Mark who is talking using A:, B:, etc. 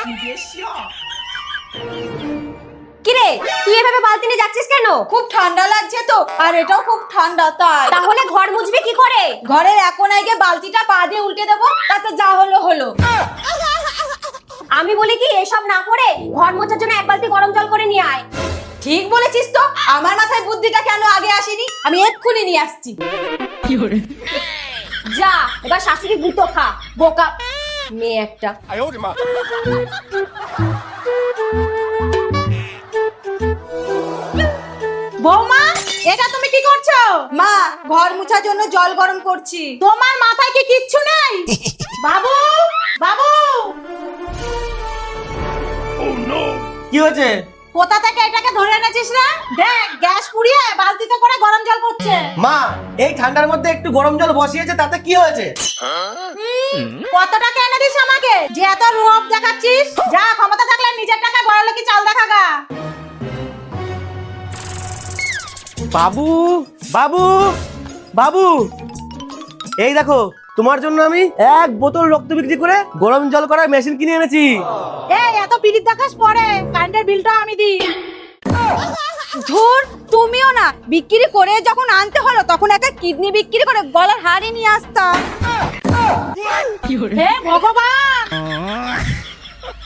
A: কিরে তুই এভাবে বালতি নিয়ে যাচ্ছিস কেন?
B: খুব ঠান্ডা লাগছে তো, আর এটাও খুব ঠান্ডা, তাই।
A: তাহলে ঘর মুছবি কি করে?
B: ঘরের এক কোনায় গিয়ে বালতিটা পা দিয়ে উল্টে দেবো, তাতে যা হলো হলো।
A: আমি বলি কি এসব না করে ঘর মোছার জন্য এক বালতি গরম জল করে নিয়ে আয়।
B: ঠিক বলেছিস তো, আমার মাথায় বুদ্ধিটা কেন আগে আসেনি? আমি এক্ষুনি নিয়ে আসছি।
A: যা এবার শাশুড়ি গুঁতো খা, বোকা মেয়ে একটা।
B: বৌমা, এটা তুমি কি করছো? মা, ঘর মুছার জন্য জল গরম করছি। তোমার মাথায় কি কিচ্ছু নেই? বাবু, বাবু,
C: কি হয়েছে?
B: কোথা থেকে এটাকে ধরে এনেছিস রে? দেখ, গ্যাস পুড়িয়ে বালতিতে করে গরম জল করছে।
C: মা, এই ঠান্ডার মধ্যে একটু গরম জল বসিয়েছে, তাতে কি হয়েছে?
B: কত টাকা এনে দিস আমাকে যে এত রূপ দেখাচ্ছিস? যা, ক্ষমতা থাকলে নিজের টাকা বড় কি চাল দেখা গা।
C: বাবু, বাবু, বাবু, এই দেখো, তোমার জন্য আমি 1 বোতল রক্ত বিক্রি করে গরম জল করার মেশিন কিনে এনেছি।
B: এই এত পিরিত দেখাস পরে, কারেন্টের বিলটা আমি দিই। ধুর, তুমিও না, বিক্রি করে যখন আনতে হলো তখন একটা কিডনি বিক্রি করে গলার হাড়ি নিয়ে আসতাম। হে ভগবান!